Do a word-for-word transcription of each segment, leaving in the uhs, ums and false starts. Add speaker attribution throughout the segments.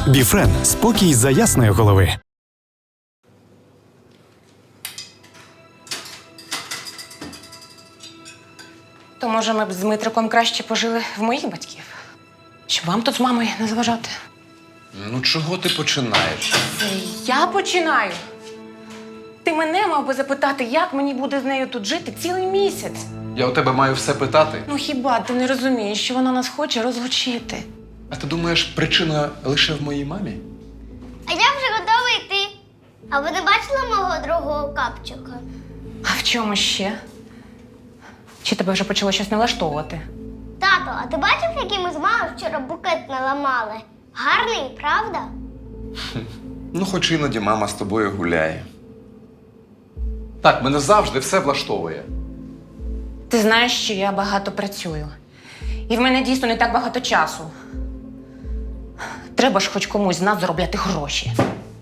Speaker 1: Біфрен – спокій за ясної голови.
Speaker 2: То, може, ми б з Дмитриком краще пожили в моїх батьків? Щоб вам тут з мамою не заважати?
Speaker 3: Ну чого ти починаєш?
Speaker 2: Це я починаю. Ти мене мав би запитати, як мені буде з нею тут жити цілий місяць.
Speaker 3: Я у тебе маю все питати.
Speaker 2: Ну хіба ти не розумієш, що вона нас хоче розлучити?
Speaker 3: А ти думаєш, причина лише в моїй мамі?
Speaker 4: А я вже готова йти. А ви не бачили мого другого капчика?
Speaker 2: А в чому ще? Чи тебе вже почало щось не влаштовувати?
Speaker 4: Тато, а ти бачив, який ми з мамою вчора букет наламали? Гарний, правда?
Speaker 3: Ну, хоч іноді мама з тобою гуляє. Так, мене завжди все влаштовує.
Speaker 2: Ти знаєш, що я багато працюю. І в мене дійсно не так багато часу. Треба ж хоч комусь з нас заробляти гроші.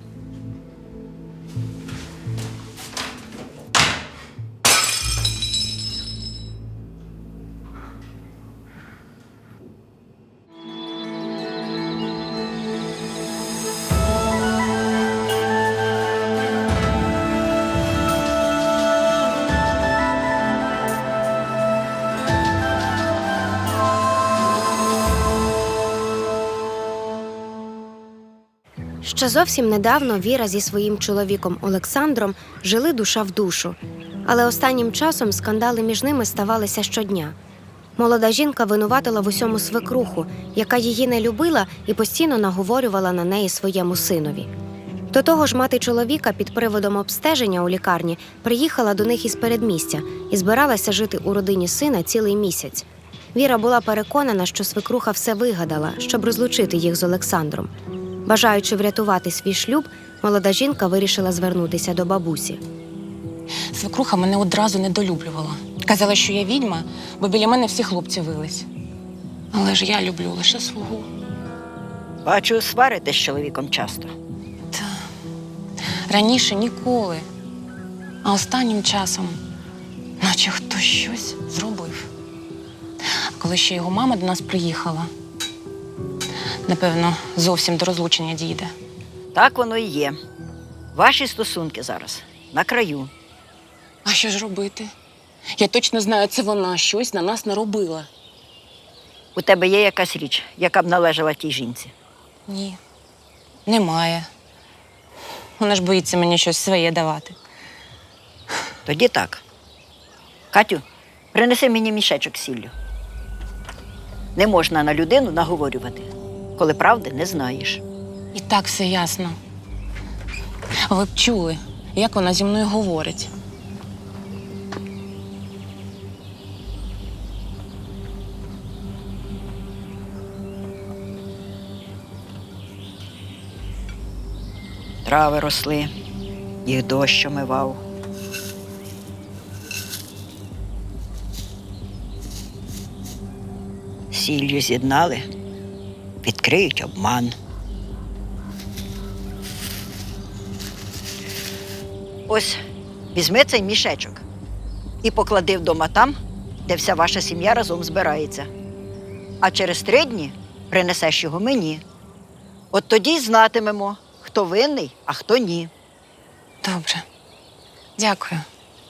Speaker 5: Ще зовсім недавно Віра зі своїм чоловіком Олександром жили душа в душу. Але останнім часом скандали між ними ставалися щодня. Молода жінка винуватила в усьому свекруху, яка її не любила і постійно наговорювала на неї своєму синові. До того ж, мати чоловіка під приводом обстеження у лікарні приїхала до них із передмістя і збиралася жити у родині сина цілий місяць. Віра була переконана, що свекруха все вигадала, щоб розлучити їх з Олександром. Бажаючи врятувати свій шлюб, молода жінка вирішила звернутися до бабусі.
Speaker 2: Свекруха мене одразу недолюблювала. Казала, що я відьма, бо біля мене всі хлопці вились. Але ж я люблю лише свого.
Speaker 6: Бачу, сваритесь з чоловіком часто.
Speaker 2: Та раніше ніколи. А останнім часом, наче хтось щось зробив. Коли ще його мама до нас приїхала, напевно, зовсім до розлучення дійде.
Speaker 6: Так воно і є. Ваші стосунки зараз на краю.
Speaker 2: А що ж робити? Я точно знаю, це вона щось на нас наробила.
Speaker 6: У тебе є якась річ, яка б належала тій жінці?
Speaker 2: Ні, немає. Вона ж боїться мені щось своє давати.
Speaker 6: Тоді так. Катю, принеси мені мішечок з сіллю. Не можна на людину наговорювати, коли правди не знаєш.
Speaker 2: І так все ясно. Ви б чули, як вона зі мною говорить.
Speaker 6: Трави росли, їх дощ омивав. Сіллю з'єднали, відкриють обман. Ось, візьми цей мішечок і поклади вдома там, де вся ваша сім'я разом збирається. А через три дні принесеш його мені. От тоді й знатимемо, хто винний, а хто ні.
Speaker 2: Добре. Дякую.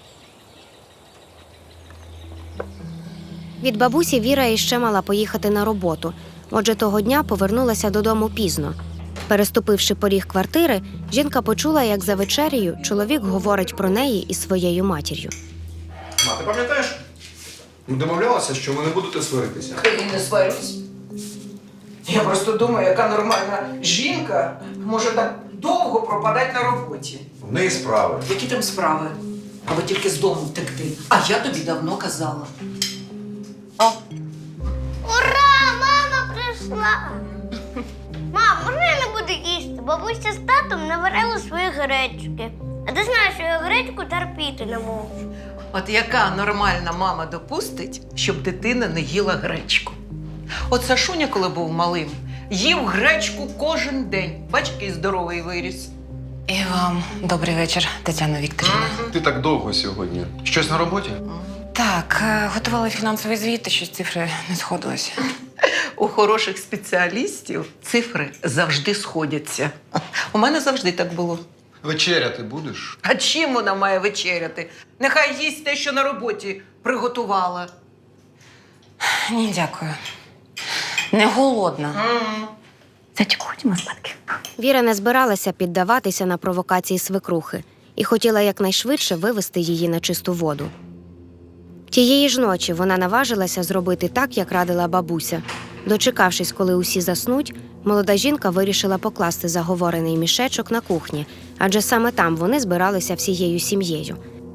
Speaker 5: Від бабусі Віра іще мала поїхати на роботу, отже того дня повернулася додому пізно. Переступивши поріг квартири, жінка почула, як за вечерею чоловік говорить про неї із своєю матір'ю.
Speaker 7: Ма, ти пам'ятаєш? Ми домовлялися, що ви не будете сваритися.
Speaker 8: Я не сварюсь. Я просто думаю, яка нормальна жінка може так довго пропадати на роботі.
Speaker 7: В неї справи.
Speaker 8: Які там справи? Аби тільки з дому втекти. А я тобі давно казала. О,
Speaker 4: Ура! Мама прийшла! Мам, можна я не буду їсти? Бабуся з татом наварили свої гречки. А ти знаєш, що я гречку терпіти не можу.
Speaker 8: от яка нормальна мама допустить, щоб дитина не їла гречку? От Сашуня, коли був малим, їв гречку кожен день. Бач, який здоровий виріс.
Speaker 2: І вам добрий вечір, Тетяна Вікторівна.
Speaker 3: Ти так довго сьогодні. Щось на роботі?
Speaker 2: Так, е, готували фінансовий звіт, і щось цифри не сходилися.
Speaker 8: У хороших спеціалістів цифри завжди сходяться. У мене завжди так було.
Speaker 7: Вечеряти будеш?
Speaker 8: А чим вона має вечеряти? Нехай їсть те, що на роботі приготувала.
Speaker 2: Ні, дякую. Не голодна. Зайчику, ходімо спадки.
Speaker 5: Віра не збиралася піддаватися на провокації свекрухи і хотіла якнайшвидше вивести її на чисту воду. Тієї ж ночі вона наважилася зробити так, як радила бабуся. Дочекавшись, коли усі заснуть, молода жінка вирішила покласти заговорений мішечок на кухні, адже саме там вони збиралися всією сім'єю.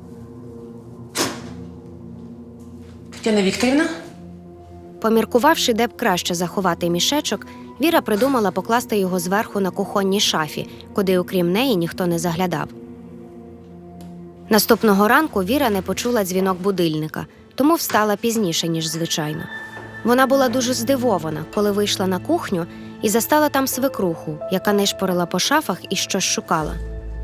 Speaker 2: Тетяна Вікторівна?
Speaker 5: Поміркувавши, де б краще заховати мішечок, Віра придумала покласти його зверху на кухонній шафі, куди окрім неї ніхто не заглядав. Наступного ранку Віра не почула дзвінок будильника, тому встала пізніше, ніж звичайно. Вона була дуже здивована, коли вийшла на кухню і застала там свекруху, яка нишпорила по шафах і щось шукала.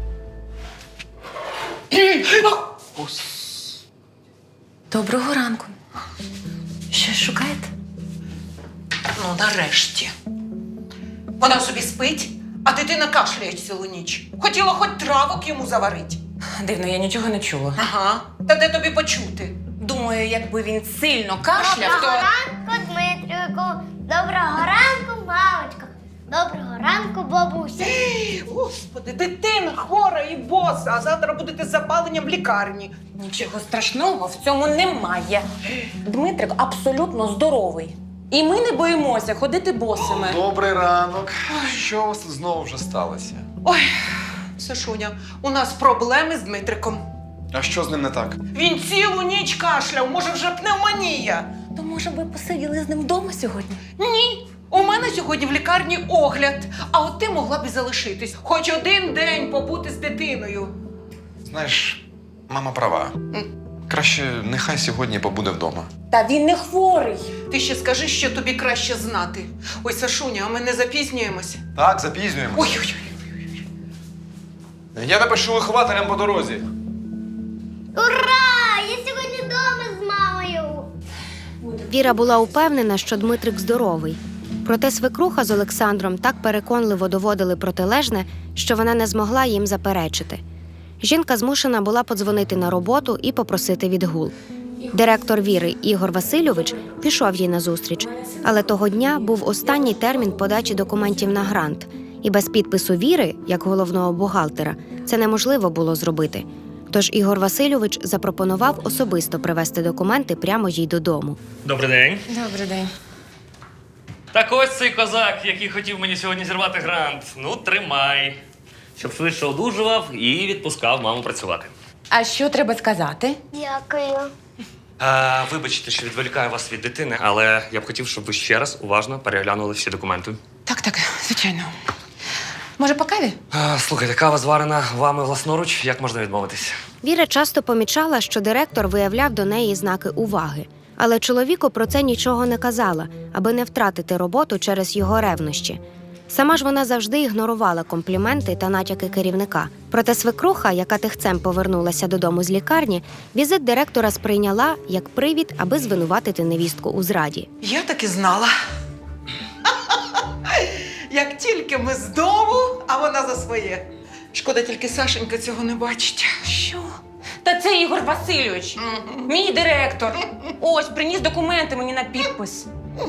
Speaker 2: Доброго ранку. Щось шукаєте?
Speaker 8: Ну, нарешті. Вона собі спить, а дитина кашляє цілу ніч. Хотіла хоч травок йому заварити.
Speaker 2: Дивно, я нічого не чула.
Speaker 8: Ага. Та де тобі почути?
Speaker 2: Думаю, якби він сильно кашляв,
Speaker 4: Доброго
Speaker 2: то...
Speaker 4: ранку, Дмитрику. Доброго ранку, мамочка. Доброго ранку, бабуся.
Speaker 8: Господи, дитина хвора і боса, а завтра будете з запаленням в лікарні.
Speaker 2: Нічого страшного в цьому немає. Дмитрик абсолютно здоровий. І ми не боїмося ходити босими.
Speaker 3: Добрий ранок. Що у вас тут знову вже сталося?
Speaker 8: Ой, Сашуня, у нас проблеми з Дмитриком.
Speaker 7: А що з ним не так?
Speaker 8: Він цілу ніч кашляв, може вже пневмонія.
Speaker 2: То, може, ви посиділи з ним вдома сьогодні?
Speaker 8: Ні, у мене сьогодні в лікарні огляд, а от ти могла б і залишитись. Хоч один день побути з дитиною.
Speaker 3: Знаєш, мама права. Краще нехай сьогодні побуде вдома.
Speaker 2: Та він не хворий.
Speaker 8: Ти ще скажи, що тобі краще знати. Ой, Сашуня, а ми не запізнюємося?
Speaker 3: Так, запізнюємося.
Speaker 8: Ой-ой-ой.
Speaker 3: Я напишу вихователям по дорозі.
Speaker 4: Ура! Я сьогодні вдома з мамою.
Speaker 5: Віра була упевнена, що Дмитрик здоровий. Проте свекруха з Олександром так переконливо доводили протилежне, що вона не змогла їм заперечити. Жінка змушена була подзвонити на роботу і попросити відгул. Директор Віри Ігор Васильович пішов їй назустріч, але того дня був останній термін подачі документів на грант, і без підпису Віри, як головного бухгалтера, це неможливо було зробити. Тож Ігор Васильович запропонував особисто привезти документи прямо їй додому.
Speaker 9: Добрий день.
Speaker 2: Добрий день.
Speaker 9: Так ось цей козак, який хотів мені сьогодні зірвати грант. Ну, тримай. Щоб швидше одужував і відпускав маму працювати.
Speaker 2: А що треба сказати?
Speaker 4: Дякую.
Speaker 9: А, вибачте, що відволікаю вас від дитини, але я б хотів, щоб ви ще раз уважно переглянули всі документи.
Speaker 2: Так, так, звичайно. Може, по каві?
Speaker 9: А, слухайте, кава зварена вами власноруч, як можна відмовитись?
Speaker 5: Віра часто помічала, що директор виявляв до неї знаки уваги. Але чоловіку про це нічого не казала, аби не втратити роботу через його ревнощі. Сама ж вона завжди ігнорувала компліменти та натяки керівника. Проте свекруха, яка тихцем повернулася додому з лікарні, візит директора сприйняла як привід, аби звинуватити невістку у зраді.
Speaker 8: Я так і знала. Як тільки ми з дому, а вона за своє. Шкода, тільки Сашенька цього не бачить.
Speaker 2: Що? Та це Ігор Васильович, мій директор. Ось, приніс документи мені на підпис.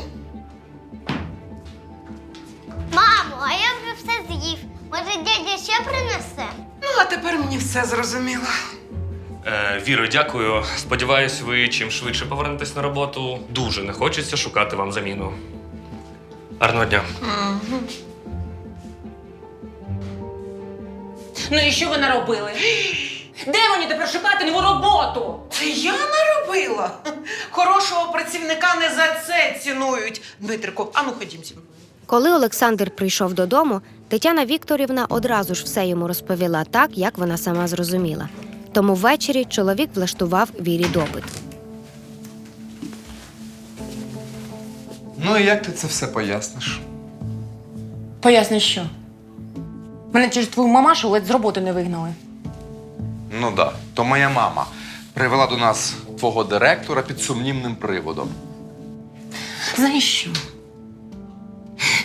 Speaker 4: Мамо, а я вже все з'їв. Може, дядя ще принесе?
Speaker 8: Ну, а тепер мені все зрозуміло.
Speaker 9: Е, Віро, дякую. Сподіваюсь, ви чим швидше повернетесь на роботу. Дуже не хочеться шукати вам заміну. Гарного дня.
Speaker 2: Ну і що ви наробили? Де мені тепер шукати нову роботу?
Speaker 8: Це я наробила? Хорошого працівника не за це цінують. Дмитрику, ану ходім зі мною.
Speaker 5: Коли Олександр прийшов додому, Тетяна Вікторівна одразу ж все йому розповіла так, як вона сама зрозуміла. Тому ввечері чоловік влаштував Вірі допит.
Speaker 3: Ну і як ти це все поясниш?
Speaker 2: Поясни, що? Мене через твою мамашу ледь з роботи не вигнали.
Speaker 3: Ну да, то моя мама привела до нас твого директора під сумнівним приводом.
Speaker 2: Знаєш що?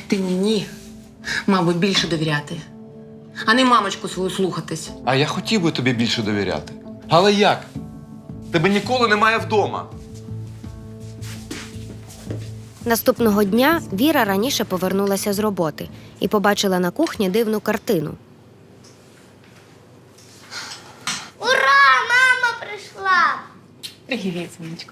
Speaker 2: Ти мені, мабуть, більше довіряти, а не мамочку свою слухатись.
Speaker 3: А я хотів би тобі більше довіряти. Але як? Тебе ніколи немає вдома.
Speaker 5: Наступного дня Віра раніше повернулася з роботи і побачила на кухні дивну картину.
Speaker 4: Ура! Мама прийшла!
Speaker 2: Привіт, сонечко.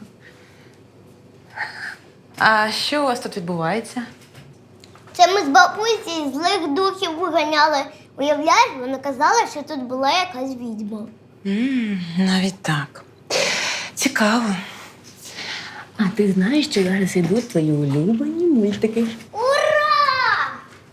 Speaker 2: А що у вас тут відбувається?
Speaker 4: Це ми з бабусею злих духів виганяли. Уявляєш, вона казала, що тут була якась відьма.
Speaker 2: М, навіть так. Цікаво. А ти знаєш, що зараз йдуть твої улюблені мультики?
Speaker 4: Ура!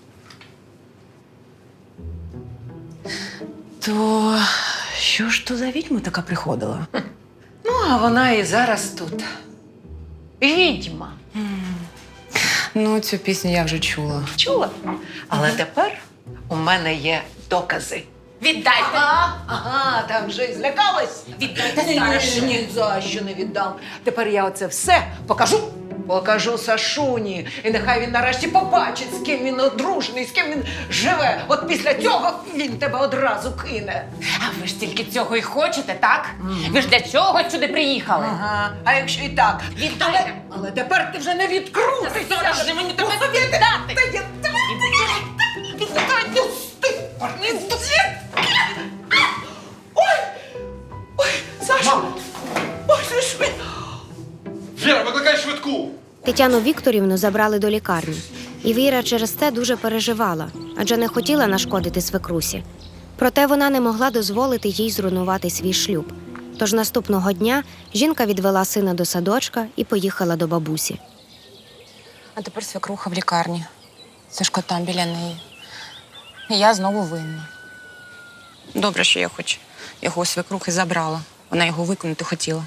Speaker 2: То що ж то за відьма така приходила?
Speaker 8: Ну, а вона і зараз тут. Відьма.
Speaker 2: Ну, цю пісню я вже чула.
Speaker 8: Чула? Але тепер у мене є докази. Віддайте! Ага, ага, там вже і злякалась. Віддайте зараз. Ні, ні за що не віддам. Тепер я оце все покажу. Покажу Сашуні. І нехай він нарешті побачить, з ким він одружений, з ким він живе. От після цього він тебе одразу кине.
Speaker 2: А ви ж тільки цього і хочете, так? Ви ж для цього сюди приїхали?
Speaker 8: Ага, а якщо і так? Але, але тепер ти вже не відкрутишся.
Speaker 2: Зараз же мені треба віддати.
Speaker 8: Та я тебе віддати. Не здати. Ой! Ой, Саша! Ой, що ж ви?
Speaker 3: Віра, викликай швидку!
Speaker 5: Тетяну Вікторівну забрали до лікарні. І Віра через це дуже переживала, адже не хотіла нашкодити свекрусі. Проте вона не могла дозволити їй зруйнувати свій шлюб. Тож наступного дня жінка відвела сина до садочка і поїхала до бабусі.
Speaker 2: А тепер свекруха в лікарні. Сашко там біля неї. І я знову винна. Добре, що я хоч його у свекрухи забрала. Вона його виконати хотіла.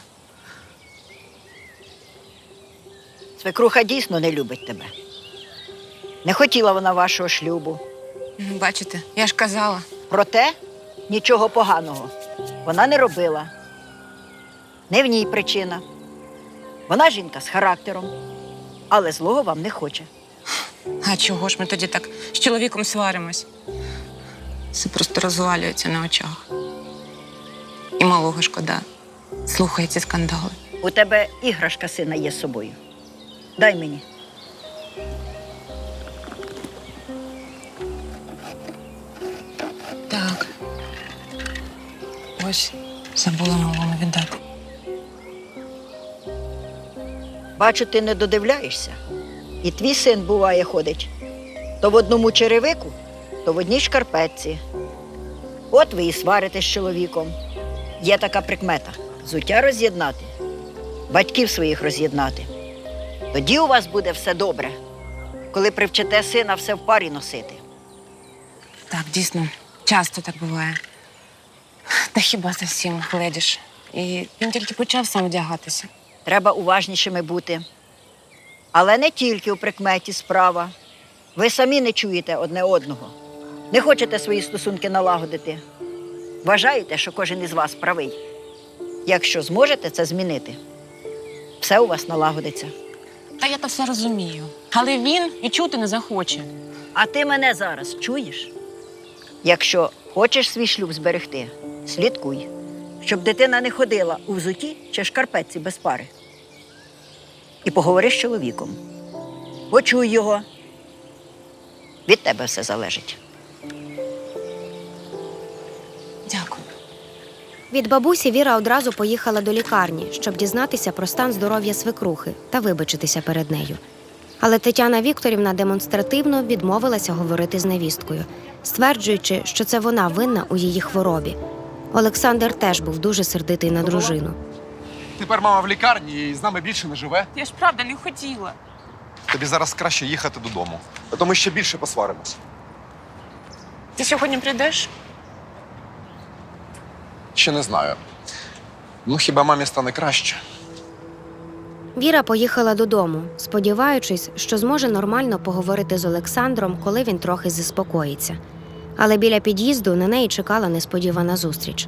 Speaker 6: Свекруха дійсно не любить тебе. Не хотіла вона вашого шлюбу.
Speaker 2: Бачите, я ж казала.
Speaker 6: Проте нічого поганого вона не робила. Не в ній причина. Вона жінка з характером, але злого вам не хоче.
Speaker 2: А чого ж ми тоді так з чоловіком сваримось? Все просто розвалюється на очах. І малого шкода. Слухає ці скандали.
Speaker 6: У тебе іграшка сина є з собою. Дай мені.
Speaker 2: Так. Ось, забула малому віддати.
Speaker 6: Бачу, ти не додивляєшся. І твій син, буває, ходить то в одному черевику, то в одній шкарпетці. От ви і сварите з чоловіком. Є така прикмета – взуття роз'єднати, батьків своїх роз'єднати. Тоді у вас буде все добре, коли привчите сина все в парі носити.
Speaker 2: Так, дійсно, часто так буває. Та хіба зовсім гледіш. І він тільки почав сам вдягатися.
Speaker 6: Треба уважнішими бути. Але не тільки у прикметі справа. Ви самі не чуєте одне одного. Не хочете свої стосунки налагодити. Вважаєте, що кожен із вас правий. Якщо зможете це змінити, все у вас налагодиться.
Speaker 2: Та я то все розумію. Але він і чути не захоче.
Speaker 6: А ти мене зараз чуєш? Якщо хочеш свій шлюб зберегти, слідкуй, щоб дитина не ходила у взутті чи шкарпетці без пари. І поговори з чоловіком. Почуй його. Від тебе все залежить.
Speaker 2: Дякую.
Speaker 5: Від бабусі Віра одразу поїхала до лікарні, щоб дізнатися про стан здоров'я свекрухи та вибачитися перед нею. Але Тетяна Вікторівна демонстративно відмовилася говорити з невісткою, стверджуючи, що це вона винна у її хворобі. Олександр теж був дуже сердитий на дружину.
Speaker 7: Тепер мама в лікарні і з нами більше не живе.
Speaker 2: Я ж правда не хотіла.
Speaker 7: Тобі зараз краще їхати додому, а то ми ще більше посваримось.
Speaker 2: Ти сьогодні прийдеш?
Speaker 7: Ще не знаю. Ну, хіба мамі стане краще?
Speaker 5: Віра поїхала додому, сподіваючись, що зможе нормально поговорити з Олександром, коли він трохи заспокоїться. Але біля під'їзду на неї чекала несподівана зустріч.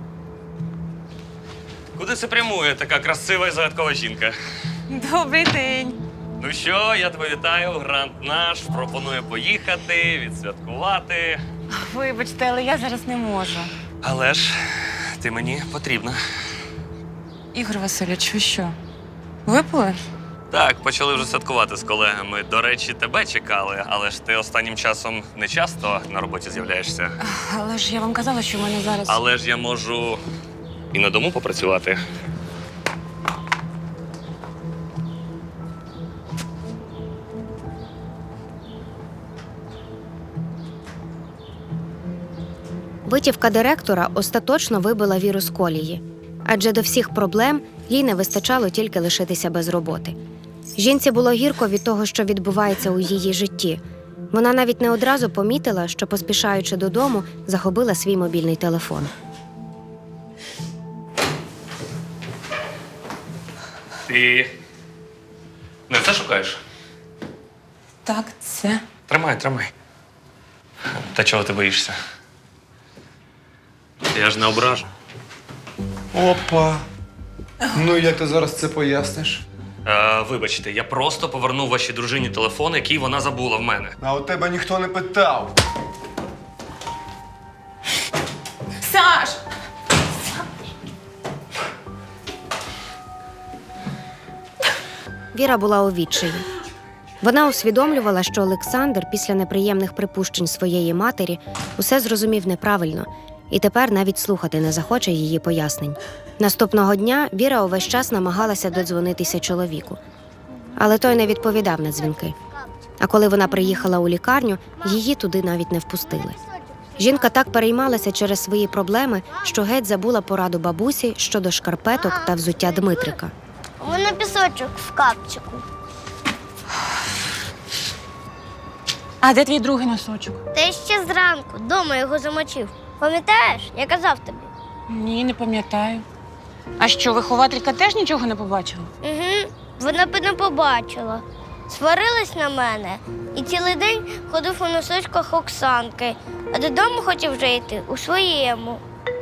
Speaker 9: Куди це прямує така красива і загадкова жінка?
Speaker 2: Добрий день.
Speaker 9: Ну що, я тебе вітаю, грант наш. Пропоную поїхати, відсвяткувати.
Speaker 2: Вибачте, але я зараз не можу.
Speaker 9: Але ж ти мені потрібна.
Speaker 2: Ігор Васильович, ви що? Випили?
Speaker 9: Так, почали вже святкувати з колегами. До речі, тебе чекали, але ж ти останнім часом не часто на роботі з'являєшся.
Speaker 2: Але ж я вам казала, що в мене зараз.
Speaker 9: Але ж я можу і на дому попрацювати.
Speaker 5: Витівка директора остаточно вибила Віру з колії, адже до всіх проблем їй не вистачало тільки лишитися без роботи. Жінці було гірко від того, що відбувається у її житті. Вона навіть не одразу помітила, що, поспішаючи додому, загубила свій мобільний телефон.
Speaker 9: Ти не це шукаєш?
Speaker 2: Так, це.
Speaker 9: Тримай, тримай. Та чого ти боїшся? Я ж не ображу.
Speaker 7: Опа. Ну, як ти зараз це поясниш?
Speaker 9: Е, вибачте, я просто повернув вашій дружині телефон, який вона забула в мене.
Speaker 7: А у тебе ніхто не питав.
Speaker 2: Саш!
Speaker 5: Віра була у відчаї. Вона усвідомлювала, що Олександр після неприємних припущень своєї матері усе зрозумів неправильно і тепер навіть слухати не захоче її пояснень. Наступного дня Віра увесь час намагалася додзвонитися чоловіку. Але той не відповідав на дзвінки. А коли вона приїхала у лікарню, її туди навіть не впустили. Жінка так переймалася через свої проблеми, що геть забула пораду бабусі щодо шкарпеток та взуття Дмитрика.
Speaker 4: У мене пісочок в капчику.
Speaker 2: А де твій другий носочок?
Speaker 4: Та ще зранку дома його замочив. Пам'ятаєш, я казав тобі?
Speaker 2: Ні, не пам'ятаю. А що, вихователька теж нічого не побачила?
Speaker 4: Угу, вона б не побачила. Сварилась на мене і цілий день ходив у носочках Оксанки, а додому хотів вже йти у своєму.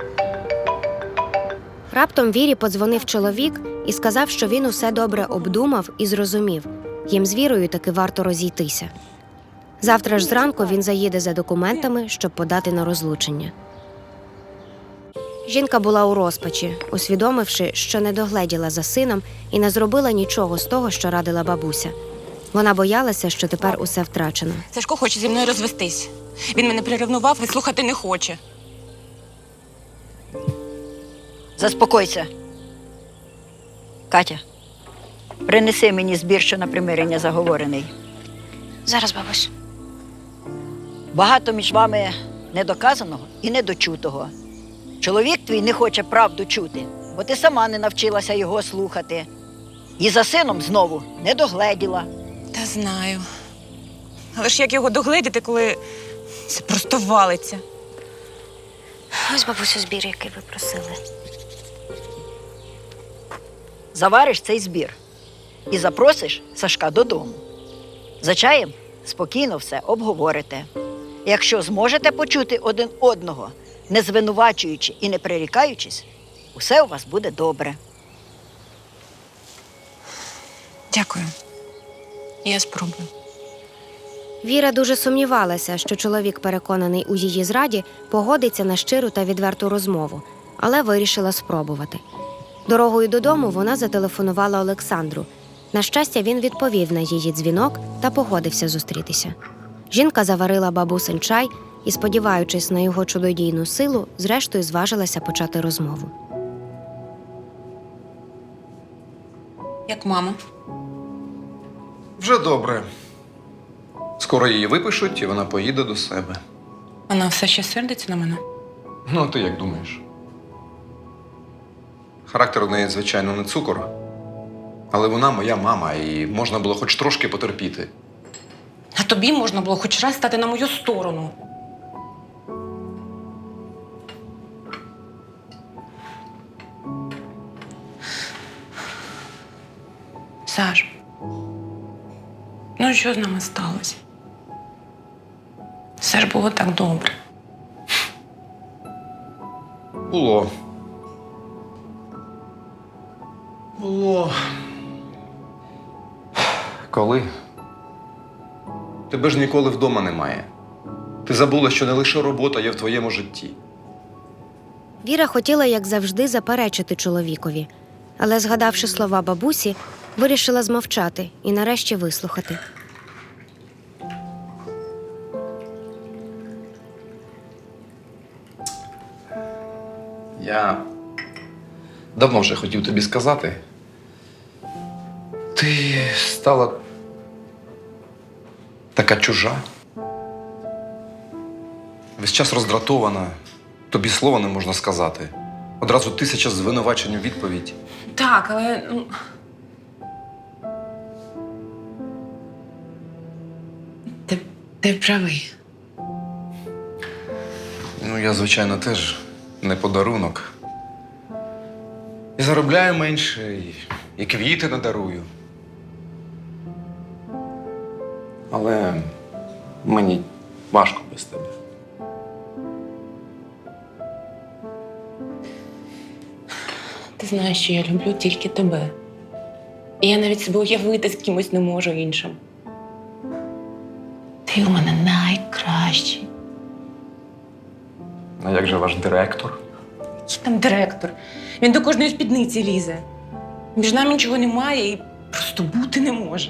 Speaker 5: Раптом Вірі подзвонив чоловік і сказав, що він усе добре обдумав і зрозумів. Їм з Вірою таки варто розійтися. Завтра ж зранку він заїде за документами, щоб подати на розлучення. Жінка була у розпачі, усвідомивши, що не догледіла за сином і не зробила нічого з того, що радила бабуся. Вона боялася, що тепер усе втрачено.
Speaker 2: Сашко хоче зі мною розвестись. Він мене приревнував і слухати не хоче.
Speaker 6: Заспокойся. Катя, принеси мені збір, що на примирення заговорений.
Speaker 5: Зараз, бабусь.
Speaker 6: Багато між вами недоказаного і недочутого. Чоловік твій не хоче правду чути, бо ти сама не навчилася його слухати. І за сином знову не догледіла.
Speaker 2: Та знаю. Але ж як його догледіти, коли це просто валиться?
Speaker 5: Ось, бабусю, збір, який ви просили.
Speaker 6: Завариш цей збір і запросиш Сашка додому. За чаєм спокійно все обговорите. Якщо зможете почути один одного, не звинувачуючи і не прирікаючись, усе у вас буде добре.
Speaker 2: Дякую. Я спробую.
Speaker 5: Віра дуже сумнівалася, що чоловік, переконаний у її зраді, погодиться на щиру та відверту розмову, але вирішила спробувати. Дорогою додому вона зателефонувала Олександру. На щастя, він відповів на її дзвінок та погодився зустрітися. Жінка заварила бабусин чай і, сподіваючись на його чудодійну силу, зрештою зважилася почати розмову.
Speaker 2: Як мама?
Speaker 3: Вже добре. Скоро її випишуть, і вона поїде до себе.
Speaker 2: Вона все ще сердиться на мене?
Speaker 3: Ну, а ти як думаєш? Характер у неї, звичайно, не цукор. Але вона моя мама, і можна було хоч трошки потерпіти.
Speaker 2: А тобі можна було хоч раз стати на мою сторону. Саш, ну що з нами сталося? Все ж було так добре.
Speaker 3: Було. Було. Коли? Тебе ж ніколи вдома немає. Ти забула, що не лише робота є в твоєму житті.
Speaker 5: Віра хотіла, як завжди, заперечити чоловікові, але, згадавши слова бабусі, вирішила змовчати і нарешті вислухати.
Speaker 3: Я давно вже хотів тобі сказати. Ти стала така чужа. Весь час роздратована. Тобі слова не можна сказати. Одразу тисяча звинувачень у відповідь.
Speaker 2: Так, але. Ну... Ти, ти правий.
Speaker 3: Ну, я, звичайно, теж не подарунок. І заробляю менше, і, і квіти не дарую. Але мені важко без тебе.
Speaker 2: Ти знаєш, що я люблю тільки тебе. І я навіть себе уявити з кимось не можу іншим. Ти у мене найкращий.
Speaker 3: А як же ваш директор?
Speaker 2: Який там директор? Він до кожної спідниці лізе. Між нами нічого немає і просто бути не може.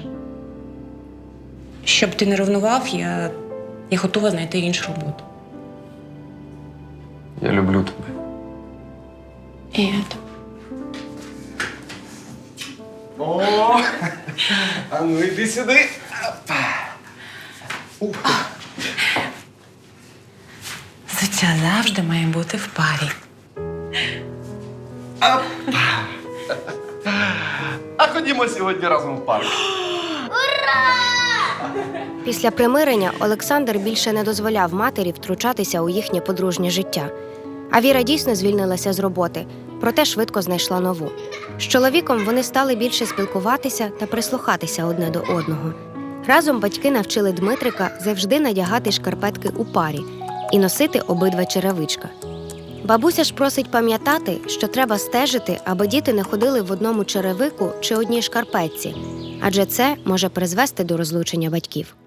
Speaker 2: Щоб ти не ревнував, я, я готова знайти іншу роботу.
Speaker 3: Я люблю тебе.
Speaker 2: І я тебе.
Speaker 3: О! А ну йди сюди.
Speaker 2: Взуття завжди має бути в парі.
Speaker 3: А ходімо сьогодні разом в парк.
Speaker 5: Після примирення Олександр більше не дозволяв матері втручатися у їхнє подружнє життя. А Віра дійсно звільнилася з роботи, проте швидко знайшла нову. З чоловіком вони стали більше спілкуватися та прислухатися одне до одного. Разом батьки навчили Дмитрика завжди надягати шкарпетки у парі і носити обидва черевичка. Бабуся ж просить пам'ятати, що треба стежити, аби діти не ходили в одному черевику чи одній шкарпетці, адже це може призвести до розлучення батьків.